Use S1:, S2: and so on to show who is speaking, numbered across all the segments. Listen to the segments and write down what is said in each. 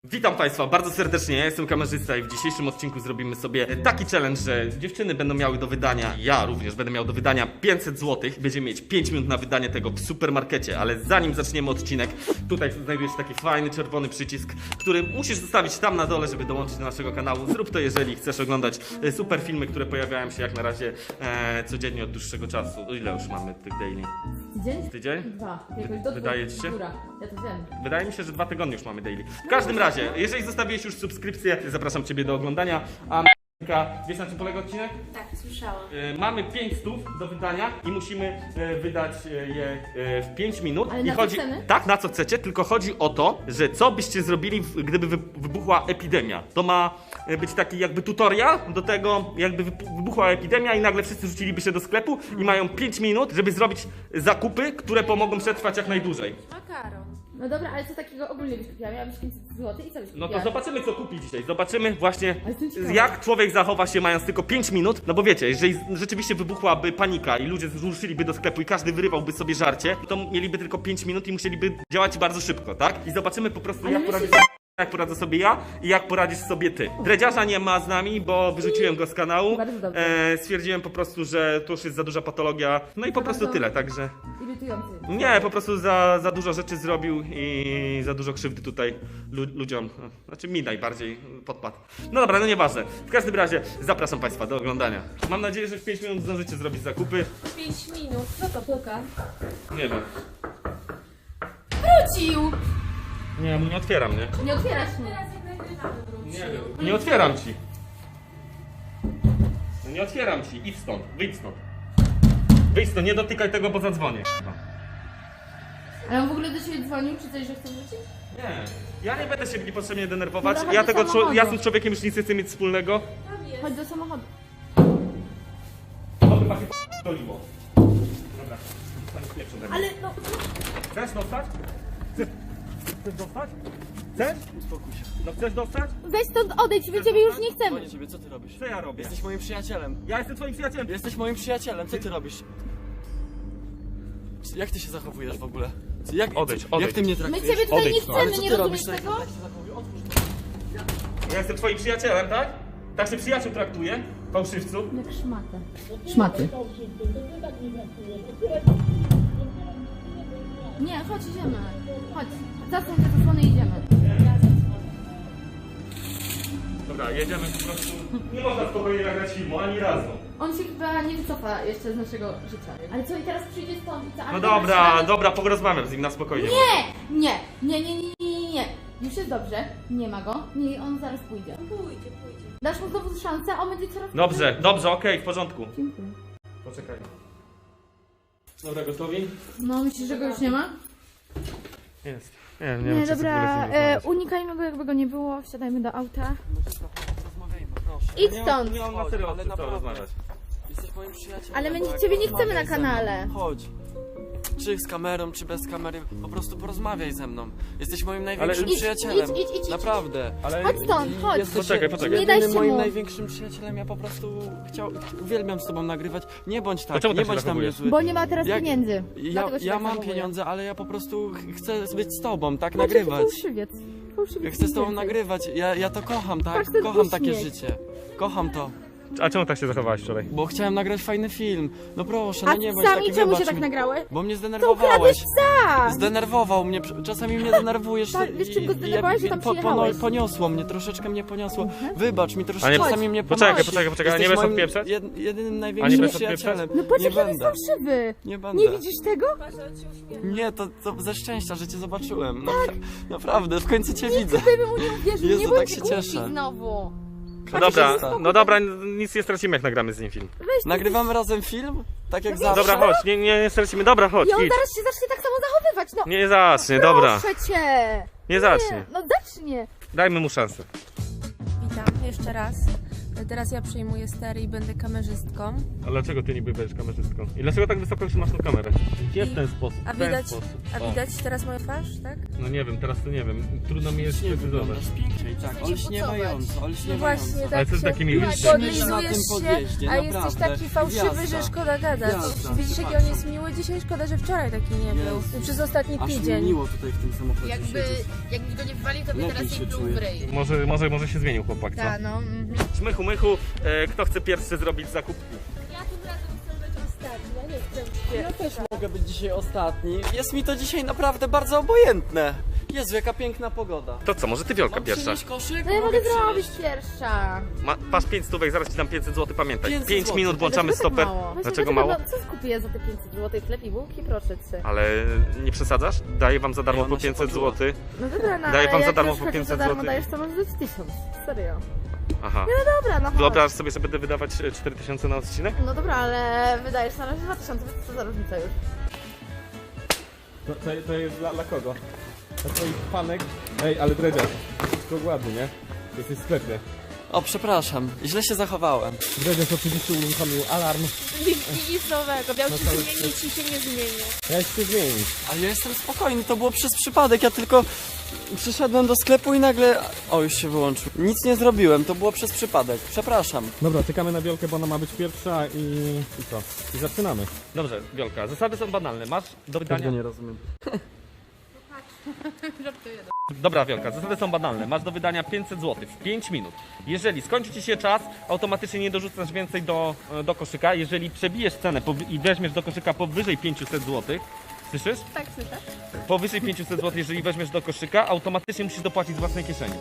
S1: Witam Państwa bardzo serdecznie, ja jestem kamerzysta i w dzisiejszym odcinku zrobimy sobie taki challenge, że dziewczyny będą miały do wydania, ja również będę miał do wydania 500 zł. Będziemy mieć 5 minut na wydanie tego w supermarkecie, ale zanim zaczniemy odcinek, tutaj znajduje się taki fajny czerwony przycisk, który musisz zostawić tam na dole, żeby dołączyć do naszego kanału. Zrób to, jeżeli chcesz oglądać super filmy, które pojawiają się jak na razie codziennie od dłuższego czasu. Ile już mamy tych daily?
S2: Tydzień?
S1: Tydzień?
S2: Dwa. Jakoś do
S1: Wydaje ci się?
S2: Góra. Ja to wiem.
S1: Wydaje mi się, że 2 tygodnie już mamy daily. W każdym razie, jeżeli zostawiłeś już subskrypcję, zapraszam Ciebie do oglądania. A wiesz, na czym polega odcinek?
S3: Tak, słyszałam.
S1: Mamy 500 do wydania i musimy wydać je w 5 minut.
S2: Ale
S1: I
S2: na co
S1: chodzi,
S2: chcemy?
S1: tak, na co chcecie, tylko chodzi o to, że co byście zrobili, gdyby wybuchła epidemia. To ma być taki jakby tutorial do tego, jakby wybuchła epidemia i nagle wszyscy rzuciliby się do sklepu i mają 5 minut, żeby zrobić zakupy, które pomogą przetrwać jak najdłużej.
S3: Makaron.
S2: No dobra, ale co takiego ogólnie byś kupiła? Miałabyś 500 zł i co byś kupiła?
S1: No to zobaczymy, co kupi dzisiaj. Zobaczymy właśnie,
S2: Ale jestem ciekawa.
S1: jak człowiek zachowa się mając tylko 5 minut. No bo wiecie, jeżeli rzeczywiście wybuchłaby panika i ludzie ruszyliby do sklepu i każdy wyrywałby sobie żarcie, to mieliby tylko 5 minut i musieliby działać bardzo szybko, tak? I zobaczymy po prostu,
S2: Ale
S1: jak
S2: myślisz,
S1: poradzisz jak poradzę sobie ja i jak poradzisz sobie ty. Dredziarza nie ma z nami, bo wyrzuciłem go z kanału.
S2: Bardzo dobrze.
S1: Stwierdziłem po prostu, że to już jest za duża patologia. No i po prostu
S2: Bardzo
S1: tyle, także...
S2: Irytujący.
S1: Nie, po prostu za dużo rzeczy zrobił i za dużo krzywdy tutaj ludziom, znaczy mi najbardziej podpadł. No dobra, no nieważne. W każdym razie zapraszam Państwa do oglądania. Mam nadzieję, że w 5 minut zdążycie zrobić zakupy.
S3: 5 minut. Co to puka?
S1: Nie wiem.
S3: Wrócił!
S1: Nie, nie otwieram, nie?
S2: Nie otwierasz mnie.
S3: Teraz jak nagrywamy wrócił.
S1: Nie wiem. Nie otwieram ci. No nie otwieram ci. Idź stąd, wyjdź stąd. Wyjdź stąd, nie dotykaj tego, bo zadzwonię.
S2: Ale on w ogóle do ciebie dzwonił, czy coś, że chce wrócić?
S1: Nie, ja nie będę się niepotrzebnie denerwować.
S2: Dobra,
S1: Ja
S2: chodź do
S1: tego
S2: samochodu.
S1: ja z tym człowiekiem już nic nie chcę mieć wspólnego.
S3: Tam jest.
S2: Chodź do samochodu.
S1: To chyba się doliło. Dobra,
S2: Ale no...
S1: chcesz dostać? Chcesz dostać? Chcesz?
S4: Uspokój się.
S1: No chcesz dostać?
S2: Weź stąd odejdź, my ciebie już nie chcemy.
S4: Dzwonię ciebie, co ty robisz?
S1: Co ja robię?
S4: Jesteś moim przyjacielem.
S1: Ja jestem twoim przyjacielem.
S4: Jesteś moim przyjacielem, co ty robisz? Jak ty się zachowujesz w ogóle? Jak,
S1: Odejdź.
S4: Jak ty mnie
S2: My
S4: traktujesz?
S2: ciebie tutaj nie
S1: Odejdź, no.
S4: Ale
S2: chcemy,
S4: co
S2: nie
S4: ty
S2: rozumiesz
S4: robisz?
S2: tego?
S4: Jak się zachowujesz? Otwórz to.
S1: Ja jestem twoim przyjacielem, tak? Tak się przyjaciół traktuje? Fałszywcu?
S2: Jak szmatę. Szmaty. Nie, chodź, idziemy. Chodź. Zasłoń te zasłony i idziemy.
S1: Dobra, jedziemy po prostu. Nie można spokojnie nagrać filmu, ani razu.
S2: On się chyba nie wycofa jeszcze z naszego życia. Ale co, i teraz przyjdzie stąd i co?
S1: No dobra, dobra, porozmawiam z nim na spokojnie.
S2: Nie. Już jest dobrze. Nie ma go. Nie, on zaraz pójdzie.
S3: Pójdzie.
S2: Dasz mu znowu szansę, a on będzie coraz...
S1: Dobrze, okej, w porządku.
S2: Dziękuję.
S1: Poczekaj. Dobra, gotowi?
S2: No, myślisz, że go już nie ma?
S1: Jest. Nie
S2: Nie,
S1: wiem, czy
S2: dobra, unikajmy go, jakby go nie było. Wsiadajmy do auta.
S4: Rozmawiajmy, proszę.
S2: Idź stąd!
S1: Nie mam na
S4: Chodź,
S1: serio
S4: ale
S1: co
S4: naprawdę.
S1: rozmawiać.
S4: Jesteś moim przyjacielem.
S2: Ale my
S4: tak?
S2: ciebie nie chcemy na
S4: Rozmawiaj ze mną.
S2: kanale.
S4: Chodź. Czy z kamerą, czy bez kamery, po prostu porozmawiaj ze mną. Jesteś moim największym
S2: Idź,
S4: przyjacielem.
S2: idź.
S4: Naprawdę.
S1: Ale...
S2: Chodź stąd, chodź.
S4: Jesteś
S1: Poczekaj.
S2: Nie daj się
S4: moim
S2: mu.
S4: największym przyjacielem. Ja po prostu uwielbiam z tobą nagrywać. Nie bądź
S1: To
S4: tak,
S1: czemu
S4: nie
S1: tak się
S4: bądź na mnie
S1: zachowujesz?
S4: zły.
S2: Bo nie ma teraz
S4: Jak-
S2: pieniędzy.
S4: Ja,
S2: Dlatego się
S4: ja
S2: tak
S4: mam
S2: zachowuje.
S4: pieniądze, ale ja po prostu chcę być z tobą, tak
S2: Znaczy,
S4: nagrywać.
S2: Fałszywiec.
S4: Ja chcę z tobą
S2: więcej.
S4: nagrywać, ja to kocham, tak?
S2: Patrz, ten
S4: Kocham takie
S2: uśmiech.
S4: życie. Kocham to,
S1: A czemu tak się zachowałeś wczoraj?
S4: bo chciałem nagrać fajny film. No proszę,
S2: A
S4: no nie bądź
S2: sami
S4: taki,
S2: czemu się
S4: wybacz
S2: tak
S4: mi.
S2: nagrały?
S4: Bo mnie
S2: To
S4: zdenerwowałeś.
S2: ukradłeś psa!
S4: Zdenerwował mnie, czasami mnie denerwujesz.
S2: Wiesz, czym go zdenerwowałeś, że tam przyjechałeś?
S4: Poniosło mnie, troszeczkę mnie poniosło. Wybacz mi,
S1: A nie-
S4: troszeczkę czasami mnie
S1: Poczekaj,
S4: ponosi.
S1: poczekaj, nie
S4: Jesteś
S1: będziesz
S4: moim
S1: odpieprzać?
S4: jedynym
S1: A nie
S4: największym
S1: będziesz
S4: przyjacielem.
S2: No patrz,
S4: Nie
S2: jaki on jest
S4: będę.
S2: fałszywy.
S4: Nie będę.
S2: Nie widzisz tego?
S3: Patrz, on się uśmiecha.
S4: Nie, to ze szczęścia, że cię zobaczyłem. Naprawdę, w końcu cię widzę.
S2: Ty bym mu nie uwierzył,
S4: Jezu,
S2: nie
S4: tak
S2: bądź
S4: się
S2: głupi
S4: cieszę.
S2: znowu.
S1: No dobra, nic nie stracimy jak nagramy z nim film.
S2: Weź ty
S4: Nagrywamy razem film? Tak jak zawsze.
S1: Dobra, chodź, nie stracimy, dobra, chodź,
S2: I on
S1: idź.
S2: zaraz się zacznie tak samo zachowywać, no.
S1: Nie zacznie, dobra.
S2: Proszę cię.
S1: Nie zacznie.
S2: No zacznie.
S1: Dajmy mu szansę.
S3: Witam jeszcze raz. Teraz ja przejmuję stery i będę kamerzystką.
S1: A dlaczego ty niby będziesz kamerzystką? I dlaczego tak wysoko trzymasz tą kamerę? Nie w ten sposób,
S3: A
S1: w ten
S3: widać,
S1: sposób.
S3: a
S1: O.
S3: widać teraz moją twarz, tak?
S1: No nie wiem, teraz to nie wiem. Trudno mi jest
S4: Nie
S1: precyzować.
S4: wyglądasz pięknie, tak,
S2: przestań się
S4: olśniewająco,
S3: No
S4: olśniewająco.
S3: właśnie,
S1: Ale
S3: tak
S1: co z
S3: się
S1: takimi
S4: na
S3: podlizujesz
S4: tym
S3: się,
S4: podjeździe,
S3: a jesteś
S4: naprawdę.
S3: taki fałszywy,
S4: Gwiazda.
S3: że szkoda gadać.
S4: Gwiazda,
S3: Widzisz, jaki on jest miły dzisiaj? Szkoda, że wczoraj taki nie był.
S4: Jezu.
S3: Przez ostatni
S4: Aż mi
S3: tydzień.
S4: miło tutaj w tym samochodzie siedzieć.
S2: Jakby go nie wywalił, to by
S4: Lepiej
S2: teraz
S4: się
S2: nie pluł
S4: czuję.
S2: w ryj.
S1: Może się zmienił chłopak, co?
S2: Tak, no.
S1: Mychu, mychu, kto chce pierwszy zrobić zakupki?
S3: Ja tym razem chcę być ostatni, ja nie chcę
S4: Ja też mogę być dzisiaj ostatni. Jest mi to dzisiaj naprawdę bardzo obojętne. Jezu, jaka piękna pogoda.
S1: To co, może ty Wiolka
S4: Mam
S1: pierwsza?
S4: przynieść koszyk?
S2: No ja
S4: Mogę
S2: mogę zrobić
S4: przynieść.
S2: pierwsza.
S1: Masz 5 stówek, zaraz ci dam 500 zł, pamiętaj.
S4: 500
S1: 5
S4: złotych.
S1: minut włączamy
S2: Ale dlaczego
S1: stoper.
S2: tak mało?
S1: Dlaczego mało?
S2: Co skupię za te 500 zł? Chleb i bułki? Proszę cię.
S1: Ale nie przesadzasz? Daję wam za darmo
S4: Ona
S1: po
S4: się
S1: 500
S4: poczuła.
S1: zł.
S2: No dobra, no
S1: Daję
S2: ale
S1: wam za
S2: jak
S1: darmo
S2: już
S1: po
S2: chociaż
S1: 500
S2: za darmo
S1: zł.
S2: dajesz, to może dać 1000. Serio.
S1: Aha.
S2: No dobra, no chodź.
S1: Wyobraź sobie, że będę wydawać 4000 na odcinek?
S2: No dobra, ale wydajesz na razie 2000, więc co za różnica już?
S1: To jest dla kogo? Dla twoich fanek? Ej, ale Dredziarz, wszystko ładnie, nie? Jesteś w sklepie.
S4: O, przepraszam, źle się zachowałem.
S1: Dredziarz oczywiście uruchomił alarm.
S3: Nic nowego, miał ci zmienić i się nie zmieni.
S1: Ja się zmienić.
S4: Ale ja jestem spokojny, to było przez przypadek, ja tylko przyszedłem do sklepu i nagle... O, już się wyłączył. Nic nie zrobiłem, to było przez przypadek, przepraszam.
S1: Dobra, czekamy na Wiolkę, bo ona ma być pierwsza i co? I zaczynamy. Dobrze, Wiolka, zasady są banalne. Masz do wydania...
S4: nie rozumiem.
S1: Dobra, Wiolka, zasady są banalne. Masz do wydania 500 zł w 5 minut. Jeżeli skończy ci się czas, automatycznie nie dorzucasz więcej do koszyka. Jeżeli przebijesz cenę i weźmiesz do koszyka powyżej 500 zł, słyszysz?
S2: Tak, słyszę.
S1: Powyżej 500 zł, jeżeli weźmiesz do koszyka, automatycznie musisz dopłacić z własnej kieszeni.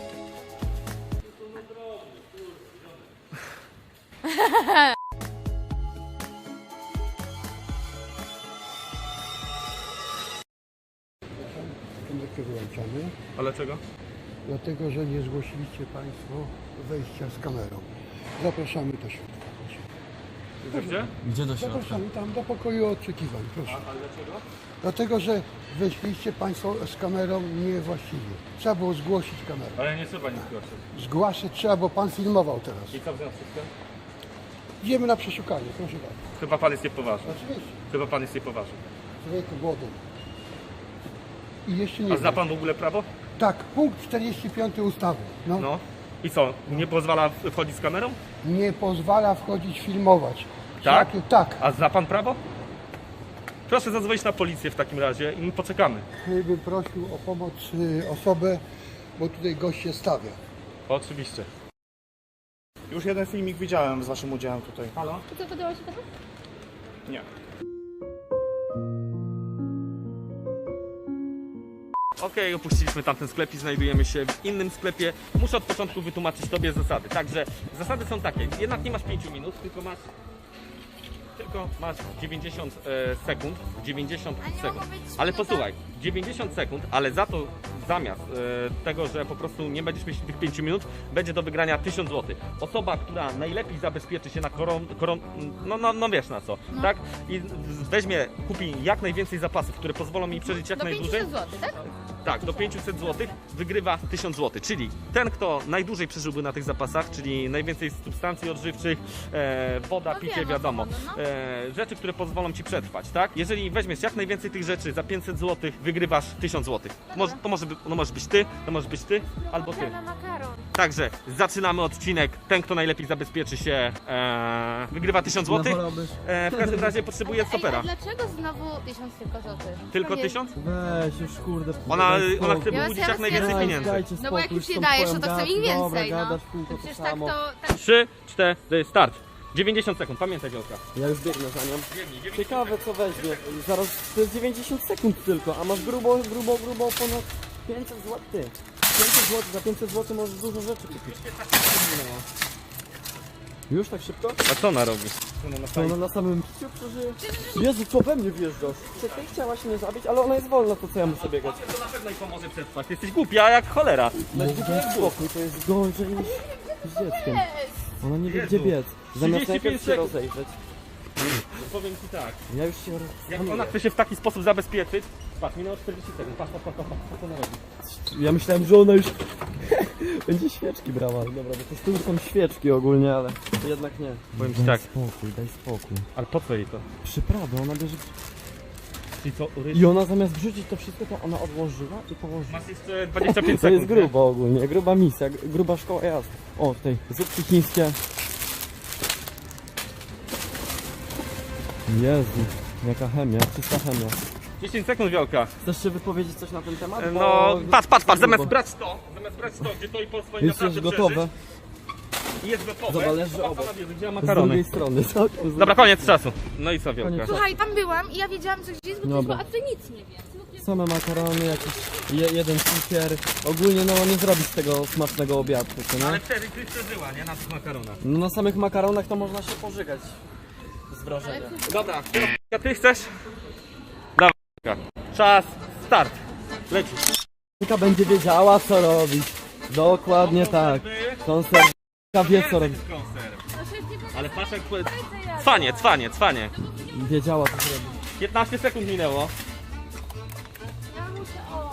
S5: Komórkę wyłączamy,
S1: Ale czego?
S5: dlatego że nie zgłosiliście Państwo wejścia z kamerą. Zapraszamy do środka, proszę.
S1: Gdzie?
S4: Gdzie do środka?
S5: Zapraszamy tam do pokoju oczekiwań, proszę.
S1: Ale dlaczego?
S5: Dlatego, że weszliście Państwo z kamerą niewłaściwie. Trzeba było zgłosić kamerę.
S1: Ale nie trzeba nic zgłosić.
S5: Zgłaszać trzeba, bo Pan filmował teraz.
S1: I co w związku z tym?
S5: Idziemy na przeszukanie, proszę bardzo.
S1: Chyba pan jest niepoważny.
S5: Oczywiście,
S1: Chyba pan jest niepoważny.
S5: człowieku głodem. I jeszcze nie
S1: A zna
S5: wiem.
S1: pan w ogóle prawo?
S5: Tak, punkt 45 ustawy. No,
S1: No. I co? Nie pozwala wchodzić z kamerą?
S5: nie pozwala wchodzić, filmować.
S1: Tak?
S5: Tak.
S1: A zna pan prawo? Proszę zadzwonić na policję w takim razie i poczekamy.
S5: Bym prosił o pomoc osobę, bo tutaj gość się stawia.
S1: Oczywiście.
S6: Już jeden filmik widziałem z waszym udziałem tutaj.
S1: Halo?
S2: To co, podoba się panu?
S6: Nie.
S1: Okej, opuściliśmy tamten sklep i znajdujemy się w innym sklepie. Muszę od początku wytłumaczyć tobie zasady. Także zasady są takie. Jednak nie masz 5 minut, tylko masz 90 sekund. 90 sekund. Ale posłuchaj, 90 sekund, ale za to zamiast tego, że po prostu nie będziesz mieć tych 5 minut, będzie do wygrania 1000 zł. Osoba, która najlepiej zabezpieczy się na no wiesz na co, tak? I kupi jak najwięcej zapasów, które pozwolą mi przeżyć jak
S2: Do
S1: najdłużej.
S2: 500 zł, tak?
S1: Tak, do 500 zł wygrywa 1000 zł, czyli ten, kto najdłużej przeżyłby na tych zapasach, czyli najwięcej substancji odżywczych, woda,
S2: No
S1: picie,
S2: wiem, o co
S1: wiadomo,
S2: chodzi, no.
S1: rzeczy, które pozwolą ci przetrwać, tak? Jeżeli weźmiesz jak najwięcej tych rzeczy za 500 zł, wygrywasz 1000 zł. To możesz być ty, to możesz być ty, albo ty.
S3: Na makaron.
S1: Także zaczynamy odcinek. Ten, kto najlepiej zabezpieczy się, wygrywa 1000 zł. W każdym razie potrzebuję stopera.
S2: Ej, a dlaczego znowu 1000 tylko złotych?
S1: Tylko
S2: To nie-
S1: 1000?
S7: Weź już kurde.
S1: Ona chce
S2: Ja
S1: wyłudzić
S2: was
S1: jak najwięcej
S2: jasne.
S1: pieniędzy.
S2: No bo jak już nie dajesz, no to chcę ich więcej, no.
S7: Gadasz kółko to
S2: Przecież tak
S7: samo.
S2: to... Tak...
S1: 3, 4, start. 90 sekund, pamiętaj Wielka.
S7: Ja już biegnę za nią. Ciekawe co weźmie. Zaraz to jest 90 sekund tylko, a masz grubo ponad 500 zł. 500 zł, za 500 zł możesz dużo rzeczy kupić. Już tak szybko?
S1: A co ona robi?
S7: To ona na samym piciu przeżyje. Jezu, co we mnie wjeżdżasz? Ty chciałaś mnie zabić, ale ona jest wolna, to co ja muszę biegać?
S1: To na pewno jej pomoże przetrwać. Ty jesteś głupia jak cholera.
S7: Daj spokój, to jest gorzej niż z dzieckiem. Ona nie wie
S1: Jezu.
S7: gdzie biec. Zamiast
S1: 35
S7: najpierw się
S1: sekund.
S7: rozejrzeć.
S1: Powiem ci tak.
S7: Ja już się
S1: Jak ona chce się w taki sposób zabezpieczyć, patrz, minęło 40 sekund. Patrz, co ona robi.
S7: Ja myślałem, że ona już będzie świeczki brała. Dobra, bo to z tyłu są świeczki ogólnie, ale jednak nie.
S1: Powiem ci tak.
S7: Daj spokój, daj spokój.
S1: Ale po co jej to?
S7: Przyprawy, ona bierze...
S1: Czyli co,
S7: I ona zamiast wrzucić to wszystko, to ona odłożyła i położyła.
S1: Masz jeszcze 25 sekund.
S7: To jest
S1: nie?
S7: grubo ogólnie, gruba misja, gruba szkoła jazdy. O, tutaj zupki chińskie. Jezu, jaka chemia, czysta chemia.
S1: 10 sekund, Wiolka.
S7: Chcesz się wypowiedzieć coś na ten temat? Bo-
S1: No, patrz,
S7: grubo.
S1: zamiast brać to, gdzie to i po swoim
S7: Jest już gotowe,
S1: I jest gotowe.
S7: To zależy
S1: to
S7: obok.
S1: ona wie, gdzie ma
S7: z
S1: makarony.
S7: drugiej strony. całkiem z
S1: Dobra, koniec czasu. No i co, Wiolka?
S7: Koniec.
S2: Słuchaj, tam byłam i ja wiedziałam, co gdzieś jest, bo
S7: Dobra.
S2: a ty nic nie wiesz.
S7: Same makarony, jakiś jeden cukier. Ogólnie no nie zrobić tego smacznego obiadu, co nie?
S1: Ale wtedy ty przeżyła, nie? Na tych makaronach.
S7: No na samych makaronach to można się pożygać z wrażenia.
S1: Dobra, a ty chcesz? Dawaj, Wiolka. Czas, start. Lecisz.
S7: Wika będzie wiedziała co robić. Dokładnie tak. Konserw wie co robić.
S1: Ale patrz jak... Cwanie.
S7: Wiedziała co zrobić.
S1: 15 sekund minęło.
S2: Ja muszę,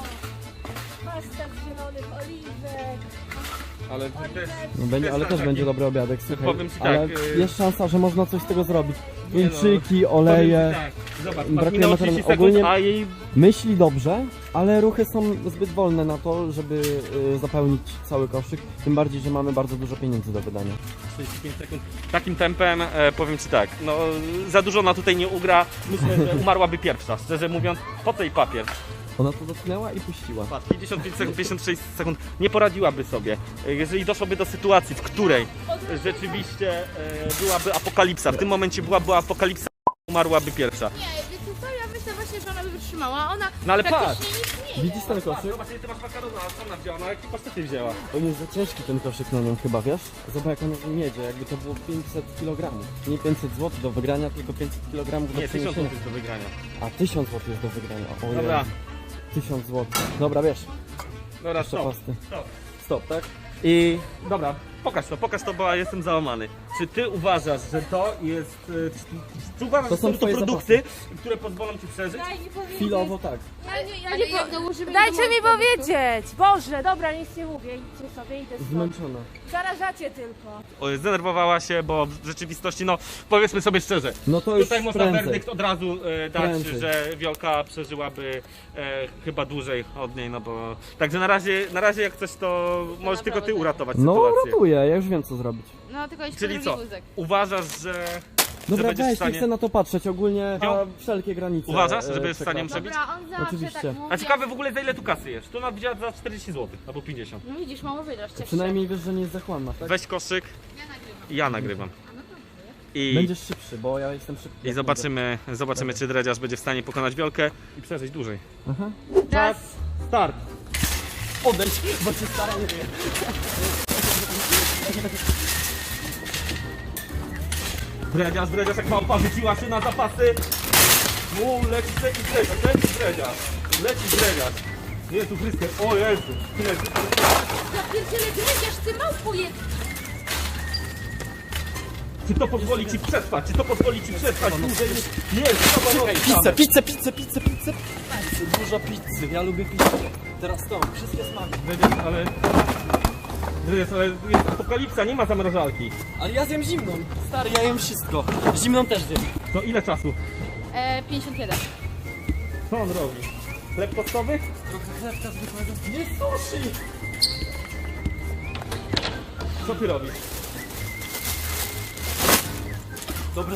S2: pasta z zielonych oliwek.
S1: Ale ty też...
S7: No, będzie, ale też będzie dobry obiadek, słuchaj.
S1: Powiem ci
S7: Ale
S1: tak,
S7: jest szansa, że można coś z tego zrobić.
S1: Nie no,
S7: Wieńczyki, oleje.
S1: Zobacz,
S7: Brakuje
S1: minęło
S7: makaronu.
S1: 30 sekund,
S7: Ogólnie-
S1: a jej...
S7: Myśli dobrze, ale ruchy są zbyt wolne na to, żeby zapełnić cały koszyk. Tym bardziej, że mamy bardzo dużo pieniędzy do wydania.
S1: 35 sekund. Takim tempem powiem ci tak, no za dużo ona tutaj nie ugra. Myślę, że umarłaby pierwsza. Szczerze mówiąc, po co jej papier?
S7: Ona to dotknęła i puściła.
S1: Patrz, 55 sekund, 56 sekund nie poradziłaby sobie. Jeżeli doszłoby do sytuacji, w której rzeczywiście byłaby apokalipsa, w tym momencie byłaby apokalipsa, umarłaby pierwsza.
S2: Nie, wiecie co, ja myślę właśnie, że ona by wytrzymała. Ona
S1: No ale
S2: praktycznie nic nie je.
S7: Widzisz ten koszyk?
S1: Zobacz, ile ty masz makarona, a co ona wzięła? No jaki pasztety wzięła?
S7: On jest za ciężki ten koszyk na nią chyba, wiesz? Zobacz jak on miedzie, jakby to było 500 kg. Nie 500 zł do wygrania, tylko 500 kg do
S1: Nie, 1000
S7: przeniesienia.
S1: zł do wygrania.
S7: A 1000 zł jest do wygrania. O
S1: Dobra,
S7: Jezu. 1000 zł. Dobra, wiesz,
S1: dobra,
S7: jeszcze
S1: stop.
S7: pasty.
S1: Stop.
S7: Stop, tak? I
S1: Dobra, pokaż to, bo ja jestem załamany. Czy ty uważasz, że to jest... Czy uważasz,
S7: To
S1: że
S7: są
S1: są to
S7: twoje
S1: produkty, które pozwolą ci przeżyć?
S7: chwilowo tak.
S2: Ale jak dołożymy
S3: Dajcie
S2: do
S3: mi
S2: mojego
S3: powiedzieć! Boże, dobra, nic nie mówię, idźcie sobie, idę stąd.
S7: Zmęczona.
S3: Zarażacie tylko.
S1: Zdenerwowała się, bo w rzeczywistości, no powiedzmy sobie szczerze,
S7: No to już
S1: tutaj można
S7: prędzej.
S1: werdykt od razu dać,
S7: Prędzej.
S1: że Wiolka przeżyłaby chyba dłużej od niej, no bo... Także na razie jak coś, to możesz tylko ty uratować
S7: No
S1: sytuację.
S7: ratuję, ja już wiem co zrobić.
S2: No tylko jeszcze
S1: Czyli
S2: drugi
S1: co?
S2: wózek.
S1: Uważasz, że
S7: Dobra,
S1: będziesz w
S7: weź, nie
S1: stanie...
S7: chcę na to patrzeć, ogólnie
S1: Jo.
S7: na wszelkie granice.
S1: Uważasz, że będziesz w
S7: przekraczam.
S1: stanie przebić?
S2: Dobra, on zawsze
S7: Oczywiście.
S2: tak mówi.
S1: A ciekawe w ogóle za ile tu kasy jest? Tu ona wzięła za 40 zł, albo 50.
S2: No widzisz, mało wydasz, cieszę się.
S7: Przynajmniej wiesz, że nie jest zachłanna, tak?
S1: Weź koszyk i ja nagrywam. I,
S7: Będziesz szybszy, bo ja jestem szybki.
S1: i zobaczymy czy Dredziarz będzie w stanie pokonać Wiolkę i przeżyć dłużej.
S7: Aha.
S1: Czas, start!
S7: Odejdź, bo się staram.
S1: Dredziarz jak małpa wrzuciła się na zapasy. Leci Dredziarz. Jezu Chryste, o Jezu.
S2: Zapierdzielę dredziarz, ty małpo jest.
S1: Czy to pozwoli ci przetrwać? Dłużej? Nie,
S7: Pizzę. Dużo pizzy, ja lubię pizzę. Teraz to, wszystkie smaki.
S1: Dredziarz, ale jest apokalipsa, nie ma zamrażalki.
S7: Ale ja zjem zimną. Stary, ja jem wszystko. Zimną też zjem.
S1: To ile czasu?
S2: 51.
S1: Co on robi? Chleb tostowy?
S7: Trochę chlebka zwykłego. Nie sushi!
S1: Co ty robisz?
S7: Dobra.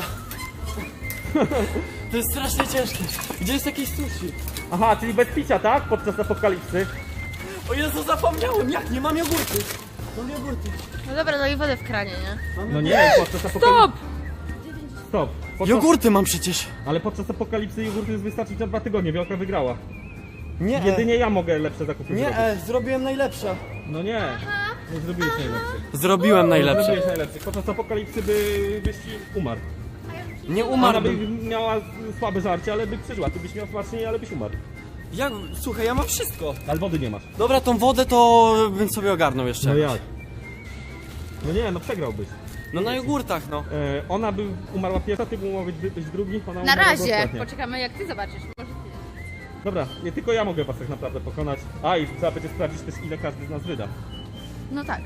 S7: To jest strasznie ciężkie. Gdzie jest jakieś sushi?
S1: Aha, czyli bez picia, tak? Podczas apokalipsy.
S7: O Jezu, zapomniałem! Jak? Nie mam jogurty. Mam jogurty.
S2: No dobra, no i wodę w kranie, nie?
S1: No nie, podczas apokalipsy. Stop!
S7: Jogurty mam przecież.
S1: Ale podczas apokalipsy jogurty wystarczyć na 2 tygodnie. Wiolka wygrała.
S7: Nie,
S1: Jedynie ja mogę lepsze zakupy zrobić.
S7: zrobiłem najlepsze.
S1: No nie, nie zrobiłeś najlepszych.
S7: Zrobiłem
S1: Nie
S7: najlepsze.
S1: zrobiłeś najlepszych. Podczas apokalipsy byś umarł.
S7: Nie
S1: Ona by
S7: umarłbym.
S1: miała słabe żarcie, ale by przeżyła. Ty byś miał smacznie, ale byś umarł.
S7: Jak? Słuchaj, ja mam wszystko.
S1: Ale wody nie masz.
S7: Dobra, tą wodę to bym sobie ogarnął jeszcze.
S1: No jak? No nie, no przegrałbyś.
S7: No na jogurtach, no.
S1: Ona by umarła pierwsza, ty by mógł być drugi. Ona
S2: Na
S1: umarła
S2: razie.
S1: ostatnia.
S2: Poczekamy jak ty zobaczysz. Może ty.
S1: Dobra, nie tylko ja mogę was tak naprawdę pokonać. A i trzeba będzie sprawdzić też ile każdy z nas wyda.
S2: No tak.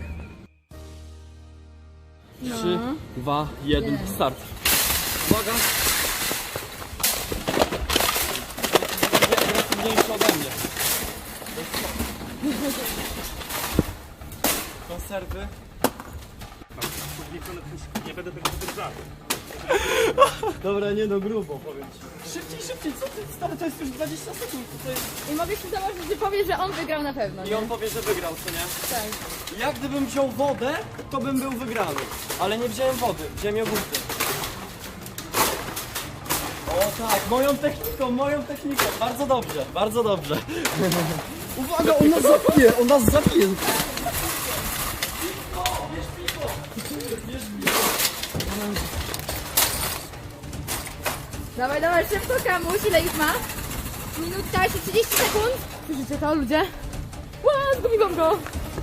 S7: 3, 2, 1, start. Uwaga.
S4: ważniejsze ode mnie. Konserwy.
S1: Nie będę tego podejrzał.
S4: Dobra, nie no, grubo powiem ci. Szybciej, co ty, stary, to jest już 20 sekund. To jest...
S2: I mogę się założyć, że powie, że on wygrał na pewno,
S4: I
S2: nie?
S4: on powie, że wygrał, co nie?
S2: Tak.
S4: Jak gdybym wziął wodę, to bym był wygrany. Ale nie wziąłem wody, wziąłem jogurty. O tak, moją techniką. Bardzo dobrze, bardzo dobrze. Uwaga, on nas zabije.
S2: Dawaj, dawaj, szybko Kamuś, ile ich ma? Minutka, jeszcze 30 sekund. Słyszycie to, ludzie? Ła, zgubiłam go!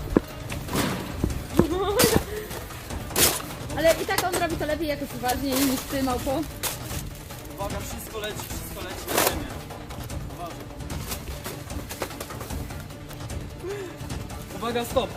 S2: Ale i tak on robi to lepiej, jakoś uważniej niż ty, małpo.
S4: Uwaga, wszystko leci na ziemię. Uwaga, stop.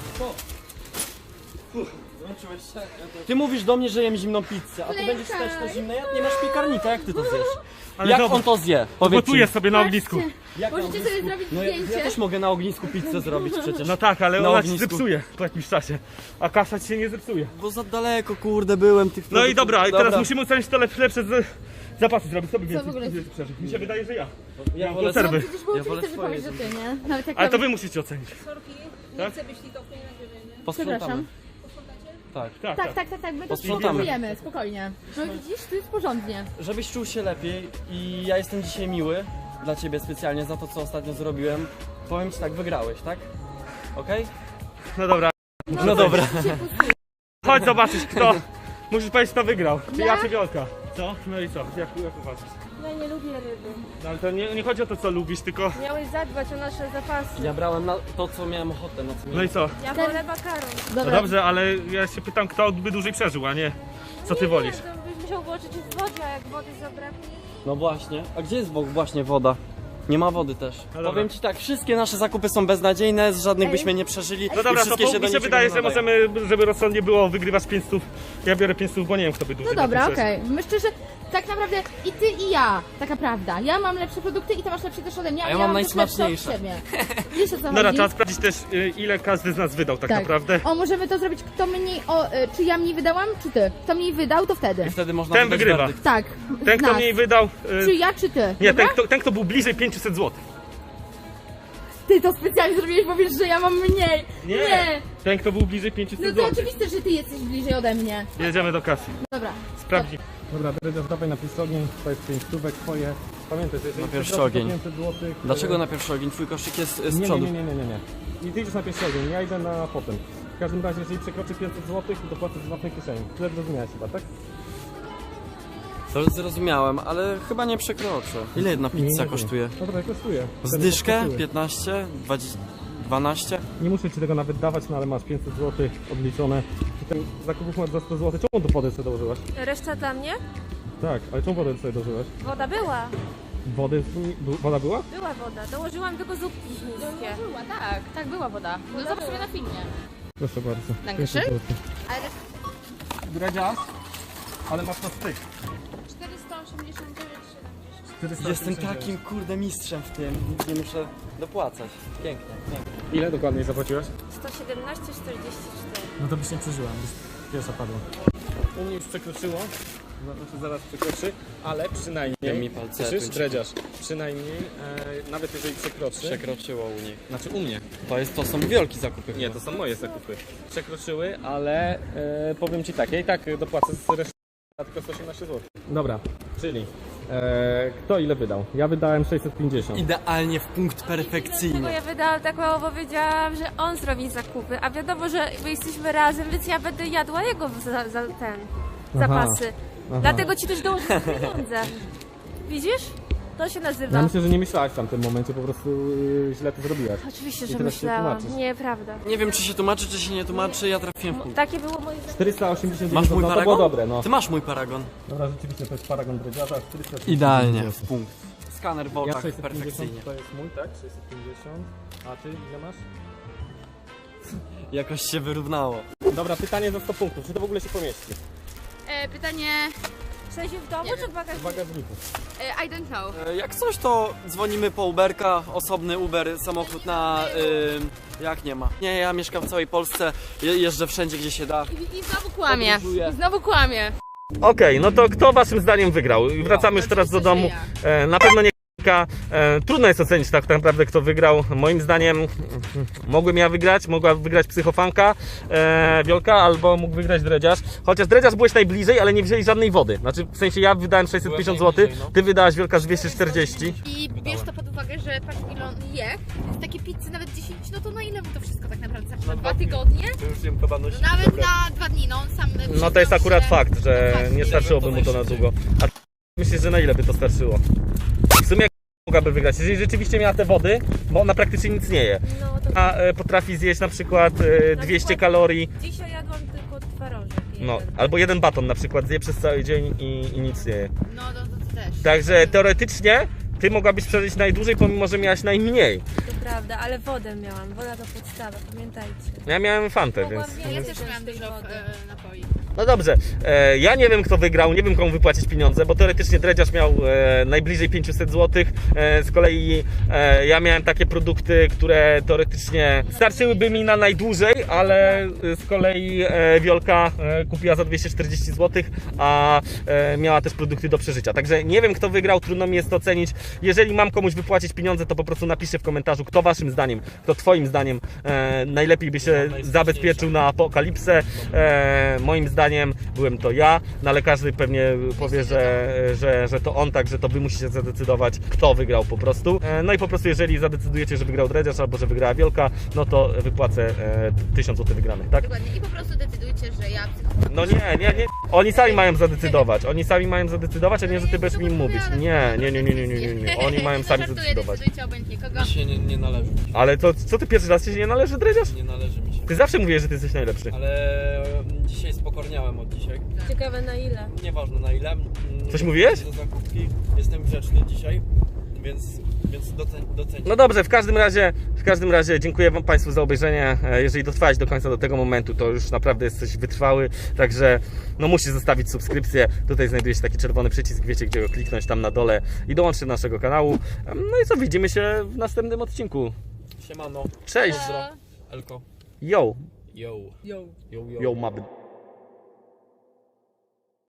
S4: Zmęczyłeś się? Ty mówisz do mnie, że jem zimną pizzę, a ty
S2: Klejka.
S4: będziesz też to zimne? Nie masz piekarnika, jak ty to zjesz?
S1: Ale
S4: Jak
S1: dobra,
S4: on to zje? Powiedz
S1: Gotuję
S4: mi.
S1: sobie na ognisku.
S4: Jak na
S2: Możecie sobie zrobić
S4: No ja
S2: zdjęcie.
S4: też mogę na ognisku pizzę zrobić przecież.
S1: No tak, ale
S4: Na
S1: ona ci
S4: ognisku.
S1: zepsuje po jakimś czasie. A kasza ci się nie zepsuje.
S4: Bo za daleko, kurde, byłem tych
S1: No i
S4: produktów.
S1: dobra, i teraz musimy ocenić to lepsze zapasy zrobić. Co by więcej
S2: w ogóle?
S1: przeżyć? Mi się wydaje, że ja.
S4: Ja
S1: Mam
S4: wolę
S2: No
S1: konserwy.
S2: przecież było
S4: Ja wolę
S2: oczywiste, że
S4: twoje
S2: powiesz, że ty, nie? Nawet jak
S1: Ale to
S2: robisz-
S1: wy musicie ocenić.
S4: Posprzątamy.
S2: Przepraszam.
S4: Tak.
S2: Tak, my to
S4: Posprzątamy.
S2: spróbujemy, spokojnie. No widzisz, tu jest porządnie.
S4: Żebyś czuł się lepiej i ja jestem dzisiaj miły dla ciebie specjalnie za to, co ostatnio zrobiłem. Powiem ci tak, wygrałeś, tak? Okej?
S1: No dobra.
S4: No dobra.
S1: Chodź zobaczyć kto. Musisz powiedzieć kto wygrał. Czy ja
S2: Ja?
S1: czy Wiolka? Co? No i co? Jak uważasz?
S3: Ja nie lubię ryby.
S1: No ale to nie chodzi o to co lubisz, tylko...
S3: Miałeś zadbać o nasze zapasy.
S4: Ja brałem na to, co miałem ochotę, na co
S1: No
S4: miałem.
S1: i co?
S3: Ja wolę makaron.
S1: No dobrze, ale ja się pytam kto by dłużej przeżył, a nie co ty wolisz.
S3: Nie, to byś musiał włożyć w wodzie, a jak wody zabraknie...
S4: No właśnie. A gdzie jest właśnie woda? Nie ma wody też.
S1: dobra.
S4: Powiem ci tak, wszystkie nasze zakupy są beznadziejne, z żadnych byśmy nie przeżyli.
S1: No dobra,
S4: i
S1: to
S4: wszystkie się do
S1: mi się
S4: niczego
S1: wydaje,
S4: nie
S1: że
S4: nadają.
S1: możemy, żeby rozsądnie było, wygrywać 500. Ja biorę 500, bo nie wiem kto by dłużej
S2: No dobra,
S1: na tym
S2: okej. Myślę, że tak naprawdę i ty i ja, taka prawda. Ja mam lepsze produkty i ty masz lepsze też ode mnie,
S4: A
S2: ale
S4: ja mam
S2: też lepsze od
S4: najsmaczniejsze.
S2: siebie. Wiesz o co
S1: Dobra,
S2: chodzi?
S1: trzeba sprawdzić też ile każdy z nas wydał tak naprawdę.
S2: O, możemy to zrobić, kto mniej, czy ja mniej wydałam, czy ty? Kto mniej wydał, to wtedy.
S4: I wtedy można
S1: Ten
S4: wydać
S1: wygrywa.
S4: werdykt.
S2: Tak.
S1: Ten kto
S2: nas.
S1: mniej wydał...
S2: Czy ja, czy ty?
S1: Nie,
S2: Dobra?
S1: ten kto był bliżej 500 zł.
S2: Ty to specjalnie zrobiłeś, bo wiesz, że ja mam mniej. Nie.
S1: Ten kto był bliżej 500
S2: No to
S1: zł.
S2: oczywiste, że ty jesteś bliżej ode mnie.
S1: Jedziemy do kasy.
S2: Dobra.
S1: Sprawdzi. Dobra, Dredziarz, dawaj na pierwszy ogień, to jest 5 stówek twoje. Pamiętaj, że jeżeli
S4: Na pierwszy
S1: przekroczysz
S4: ogień.
S1: 500 złotych,
S4: Dlaczego na pierwszy ogień? Twój koszyk jest z
S1: Nie,
S4: przodu.
S1: nie. I ty idziesz na pierwszy ogień, ja idę na potem. W każdym razie, jeżeli przekroczy 500 zł, to płacę z własnej kieszeni. Tyle zrozumiałeś chyba, tak?
S4: To zrozumiałem, ale chyba nie przekroczę. Ile jedna pizza kosztuje?
S1: No dobra, kosztuje.
S4: Zdyszkę? 15? 20? 12?
S1: Nie muszę ci tego nawet dawać, no ale masz 500 zł odliczone. I ten zakupów masz za 100 zł. Czemu tu wodę sobie dołożyłaś?
S3: Reszta dla mnie?
S1: Tak, ale czemu wodę sobie dołożyłaś?
S3: Woda była.
S1: Woda była?
S3: Była woda. Dołożyłam tylko zupki chińskie.
S2: Była, tak. Tak, była woda. No zobacz sobie na filmie.
S1: Proszę bardzo.
S2: Dankeschön.
S1: 500 zł.
S2: Ale
S1: Dredziarz, ale masz na styk.
S3: 489,70.
S4: Jestem takim kurde mistrzem w tym. Nic nie muszę dopłacać. Pięknie, pięknie.
S1: Ile dokładnie zapłaciłaś?
S3: 117,44.
S1: No to byś nie przeżyła, byś pierwsza padła. U mnie już przekroczyło, znaczy zaraz przekroczy, ale przynajmniej,
S4: Ja mi palce
S1: słyszysz,
S4: tuńczyki.
S1: Dredziarz, przynajmniej, nawet jeżeli przekroczy,
S4: Przekroczyło u nich.
S1: znaczy u mnie,
S4: To są wielkie zakupy.
S1: nie, to są moje zakupy, przekroczyły, ale powiem ci tak, ja i tak dopłacę z reszty tylko 118 zł. Dobra, czyli kto ile wydał? Ja wydałem 650.
S4: Idealnie w punkt
S3: Bo
S4: perfekcyjny.
S3: ja wydałam tak mało, bo wiedziałam, że on zrobi zakupy, a wiadomo, że my jesteśmy razem, więc ja będę jadła jego zapasy. Dlatego ci też dołożę pieniądze. Widzisz? To się nazywa.
S1: Ja myślę, że nie myślałaś w tamtym momencie, po prostu źle to zrobiłaś.
S3: Oczywiście,
S1: I
S3: że
S1: teraz się
S3: myślałam.
S1: tłumaczysz.
S3: Nieprawda.
S4: Nie wiem, czy się tłumaczy, czy się nie tłumaczy, ja trafiłem w punkt.
S3: Takie było moje zdanie.
S1: 489
S4: Masz mój
S1: no to
S4: paragon?
S1: było dobre, no.
S4: Ty masz mój paragon.
S1: Dobra, rzeczywiście to jest paragon Dredziarza, 490.
S4: Idealnie w punkt. Skaner w
S1: Ja
S4: oczach
S1: 650
S4: perfekcyjnie.
S1: to jest mój, tak? 650. A ty ile masz?
S4: Jakoś się wyrównało.
S1: Dobra, pytanie za 100 punktów. Czy to w ogóle się pomieści?
S2: pytanie,
S3: W sensie w domu
S2: Nie
S3: czy
S2: wiem.
S3: w bagażniku?
S7: W bagażniku.
S2: I don't know.
S4: Jak coś, to dzwonimy po Uberka, osobny Uber, samochód na... jak nie ma. Nie, ja mieszkam w całej Polsce, jeżdżę wszędzie, gdzie się da.
S2: I znowu kłamie.
S4: Podróżuję.
S2: I znowu kłamie.
S1: Okej, no to kto waszym zdaniem wygrał? Wracamy już teraz do domu. Na pewno nie K. Trudno jest ocenić tak naprawdę, kto wygrał. Moim zdaniem mogłem ja wygrać, mogła wygrać psychofanka Wiolka, albo mógł wygrać Dredziarz. Chociaż Dredziarz byłeś najbliżej, ale nie wzięli żadnej wody. Znaczy w sensie ja wydałem 650 zł,
S7: najbliżej, no.
S1: ty wydałaś Wiolka z 240.
S2: I bierz to pod uwagę, że patrz ile on je. Więc takie pizzy nawet 10, no to na ile mu to wszystko tak naprawdę starczy? Na 2 tygodnie?
S7: To już jem kabaność.
S2: No nawet na 2 dni, no on sam...
S1: No to jest akurat fakt, że
S2: Dokładnie.
S1: nie starczyłoby mu to na długo. A myślisz, że na ile by to starczyło? W sumie mogłaby wygrać, jeżeli rzeczywiście miała te wody, bo ona praktycznie nic nie je.
S3: No to
S1: A potrafi zjeść na przykład 200 kalorii,
S3: dzisiaj jadłam tylko twarożek.
S1: no,
S3: jeden.
S1: albo jeden baton na przykład zje przez cały dzień i nic nie je.
S2: No to też.
S1: Także teoretycznie ty mogłabyś przeżyć najdłużej, pomimo że miałaś najmniej.
S3: To prawda, ale wodę miałam. Woda to podstawa, pamiętajcie.
S1: Ja miałem fantę, więc...
S2: Ja też miałam dużo
S3: wody.
S2: napoi.
S1: No dobrze, ja nie wiem kto wygrał, nie wiem komu wypłacić pieniądze, bo teoretycznie Dredziarz miał najbliżej 500 zł, z kolei ja miałem takie produkty, które teoretycznie starczyłyby mi na najdłużej, ale z kolei Wiolka kupiła za 240 zł, a miała też produkty do przeżycia. Także nie wiem kto wygrał, trudno mi jest to ocenić. Jeżeli mam komuś wypłacić pieniądze, to po prostu napiszcie w komentarzu, kto waszym zdaniem, kto twoim zdaniem najlepiej by się zabezpieczył na apokalipsę. Moim zdaniem byłem to ja, no ale każdy pewnie powie, że to on, także to wy musicie zadecydować, kto wygrał po prostu. No i po prostu jeżeli zadecydujecie, że wygrał Dredziarz albo że wygrała Wiolka, no to wypłacę 1000 zł wygranych, tak?
S2: Dokładnie. I po prostu decydujcie, że ja...
S1: No nie. Oni sami mają zadecydować. Oni sami mają zadecydować, a nie, że ty będziesz mi im mówić. Nie. Oni mają sami zadecydować.
S2: Decydujcie obojętnie kogo.
S7: Mi się nie należy.
S1: Ale to co ty pierwszy raz ci się nie należy, Dredziarz?
S7: Nie należy mi się.
S1: Ty zawsze mówisz, że ty jesteś najlepszy.
S7: Ale dzisiaj spokorniałem od dzisiaj.
S3: Ciekawe na ile.
S7: Nieważne na ile.
S1: Coś mówiłeś?
S7: Do zakupki. Jestem grzeczny dzisiaj, więc docencie.
S1: No dobrze, w każdym razie dziękuję wam Państwu za obejrzenie. Jeżeli dotrwałeś do końca do tego momentu, to już naprawdę jesteś wytrwały, także no musisz zostawić subskrypcję. Tutaj znajduje się taki czerwony przycisk, wiecie gdzie go kliknąć, tam na dole i dołączyć do naszego kanału. No i co, widzimy się w następnym odcinku.
S7: Siemano.
S1: Cześć!
S7: Elko.
S1: Yo!
S7: Yo.
S1: Yo, mab.